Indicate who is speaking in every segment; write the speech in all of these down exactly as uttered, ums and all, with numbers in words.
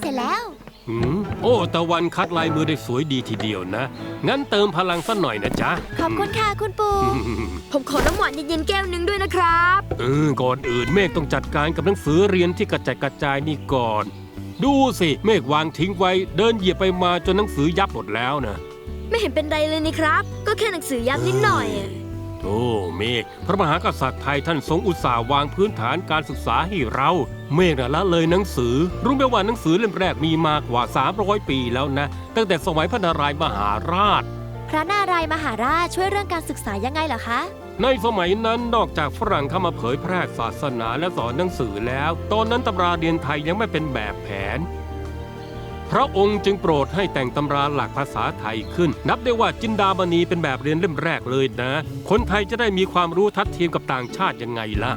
Speaker 1: ร็จแล้ว
Speaker 2: อืมโอ้ตะวันคัดลายมือได้สวยดีทีเดียวนะงั้นเติมพลังสักหน่อยนะจ๊ะ
Speaker 1: ขอบคุณค่ะคุณปู่
Speaker 3: ผมขอน้ำหวานเย็นๆแก้วหนึ่งด้วยนะครับ
Speaker 2: เออก่อนอื่นเมฆต้องจัดการกับหนังสือเรียนที่กระจายกระจายนี่ก่อนดูสิเมฆวางทิ้งไว้เดินเหยียบไปมาจนหนังสือยับหมดแล้วนะ
Speaker 3: ไม่เห็นเป็นไรเลยนี่ครับก็แค่หนังสือยับนิดหน่อย
Speaker 2: โธ่เมฆพระมหากษัตริย์ไทยท่านทรงอุตส่าห์วางพื้นฐานการศึกษาให้เราเมฆน่ะละเลยหนังสือรู้ไหมว่าหนังสือเล่มแรกมีมากว่าสามร้อยปีแล้วนะตั้งแต่สมัยพระนารายณ์มหาราช
Speaker 1: พระนารายณ์มหาราชช่วยเรื่องการศึกษายังไงเหรอคะ
Speaker 2: ในสมัยนั้นนอกจากฝรั่งเข้ามาเผยแพร่ศาสนาและสอนหนังสือแล้วตอนนั้นตำราเรียนไทยยังไม่เป็นแบบแผนพระองค์จึงโปรดให้แต่งตำราหลักภาษาไทยขึ้นนับได้ว่าจินดามณีเป็นแบบเรียนเล่มแรกเลยนะคนไทยจะได้มีความรู้ทัดเทียมกับต่างชาติยังไงล่ะ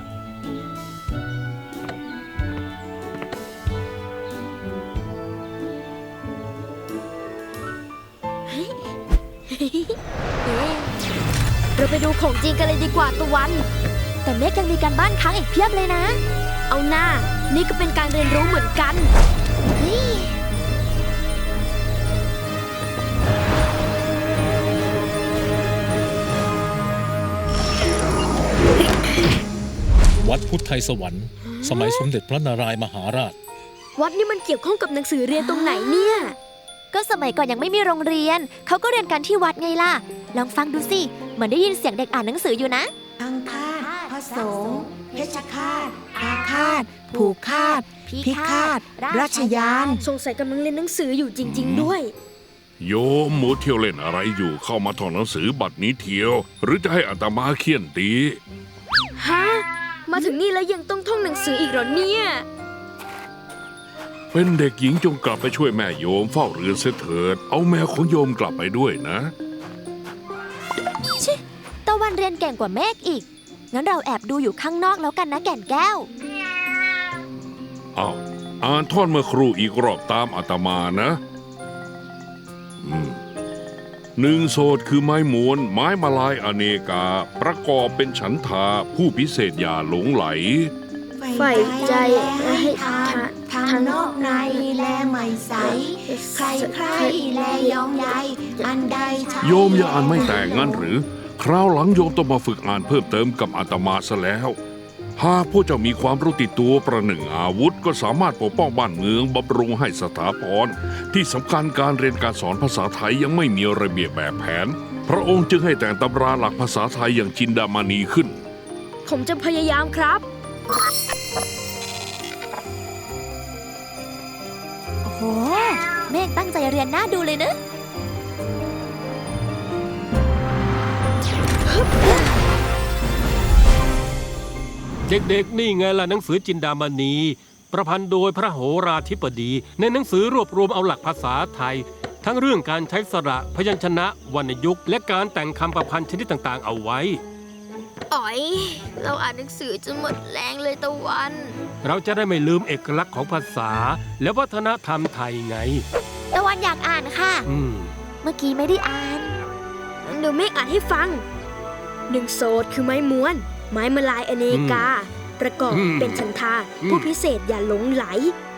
Speaker 3: เราไปดูของจริงกันเลยดีกว่าตะวัน
Speaker 1: แต่เมฆยังมีการบ้านค้างอีกเพียบเลยนะ
Speaker 3: เอาหน้านี่ก็เป็นการเรียนรู้เหมือนกัน
Speaker 4: วัดพุทธไทยสวรรค์สมัยสมเด็จพระนารายณ์มหาราช
Speaker 3: วัดนี่มันเกี่ยวข้องกับหนังสือเรียนตรงไหนเนี่ย
Speaker 1: ก็สมัยก่อนยังไม่มีโรงเรียนเขาก็เรียนกันที่วัดไงล่ะลองฟังดูสิเหมือนได้ยินเสียงเด็กอ่านหนังสืออยู่นะ
Speaker 5: อังคาตพระสงฆ์เพชฌฆาตอาฆาตผูกฆาตพิฆาตราชยาน
Speaker 3: สงสัยกำลังเรียนหนังสืออยู่จริงๆด้วย
Speaker 6: โยมหมูเที่ยวเล่นอะไรอยู่เข้ามาท่องหนังสือบัดนี้เที่ยวหรือจะให้อาตมาเคี่ยนตี
Speaker 3: ฮะมาถึงนี่แล้วยังต้องท่องหนังสืออีกเหรอเนี่ย
Speaker 6: เป็นเด็กหญิงจงกลับไปช่วยแม่โยมเฝ้าเรือนเสียเถิดเอาแมวของโยมกลับไปด้วยนะ
Speaker 1: ชิตะวันเรียนเก่งกว่าเมฆอีกงั้นเราแอบดูอยู่ข้างนอกแล้วกันนะแก่นแก้ว
Speaker 6: อ้าวอ่านท่อนเมื่อครูอีกรอบตามอาตมานะอืมหนึ่งโสดคือไม้ม้วนไม้มาลายอเนกาประกอบเป็นฉันทาผู้พิเศษอย่าหลงไหล
Speaker 3: ใฝ่ใจให้ทาน
Speaker 5: ทางนอกในแลไม่ใสใครใครแลยองใยอันใด
Speaker 6: โยมอย่าอ่านไม่แต่งงั้นหรือคราวหลังโยมต้องมาฝึกอ่านเพิ่มเติมกับอาตมาซะแล้วหากพวกเจ้ามีความรู้ติดตัวประหนึ่งอาวุธก็สามารถปกป้องบ้านเมืองบำรุงให้สถาพรที่สำคัญการเรียนการสอนภาษาไทยยังไม่มีระเบียบแบบแผนพระองค์จึงให้แต่งตำราหลักภาษาไทยอย่างจินดามณีขึ้น
Speaker 3: ผมจะพยายามครับ
Speaker 1: โอ้โหเมฆตั้งใจเรียนน่าดูเลยนะ
Speaker 2: เด็กๆนี่ไงล่ะหนังสือจินดามณีประพันธ์โดยพระโหราธิบดีในหนังสือรวบรวมเอาหลักภาษาไทยทั้งเรื่องการใช้สระพยัญชนะวรรณยุกต์และการแต่งคำประพันธ์ชนิดต่างๆเอาไว้
Speaker 3: อ๋อยเราอ่านหนังสือจนหมดแรงเลยตะวัน
Speaker 2: เราจะได้ไม่ลืมเอกลักษณ์ของภาษาและวัฒนธรรมไทยไง
Speaker 1: ตะวันอยากอ่านค่ะ
Speaker 2: อืม
Speaker 1: เมื่อกี้ไม่ได้อ่าน
Speaker 3: เดี๋ยวเมฆอ่านให้ฟังหนึ่งโสดคือไม้ม้วนไม้มาลายอเนกาประกอบเป็นฉันทาผู้พิเศษอย่าหลงไหล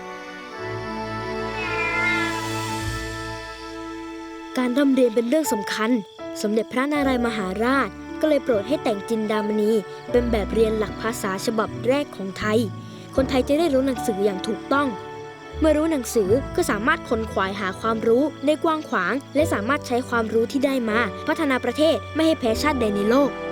Speaker 3: การร่ำเรียนเป็นเรื่องสำคัญสมเด็จพระนารายณ์มหาราชก็เลยโปรดให้แต่งจินดามณีเป็นแบบเรียนหลักภาษาฉบับแรกของไทยคนไทยจะได้รู้หนังสืออย่างถูกต้องเมื่อรู้หนังสือก็สามารถค้นขวายหาความรู้ได้กว้างขวางและสามารถใช้ความรู้ที่ได้มาพัฒนาประเทศไม่ให้แพ้ชาติใดในโลก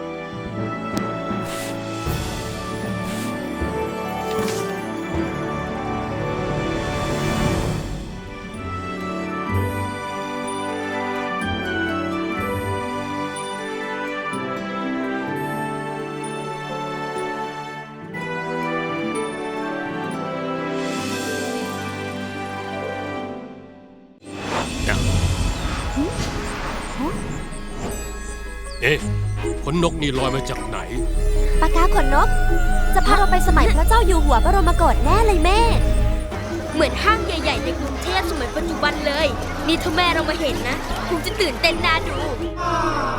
Speaker 2: เอ๊ะขนนกนี่ลอยมาจากไหน
Speaker 1: ปากกาขนนกจะพาเราไปสมัยพระเจ้าอยู่หัวบรมโกศแน่เลยแม่
Speaker 3: เหมือนห้างใหญ่ๆในกรุงเทพสมัยปัจจุบันเลยนี่ถ้าแม่เรามาเห็นนะคงจะตื่นเต้นน่าดู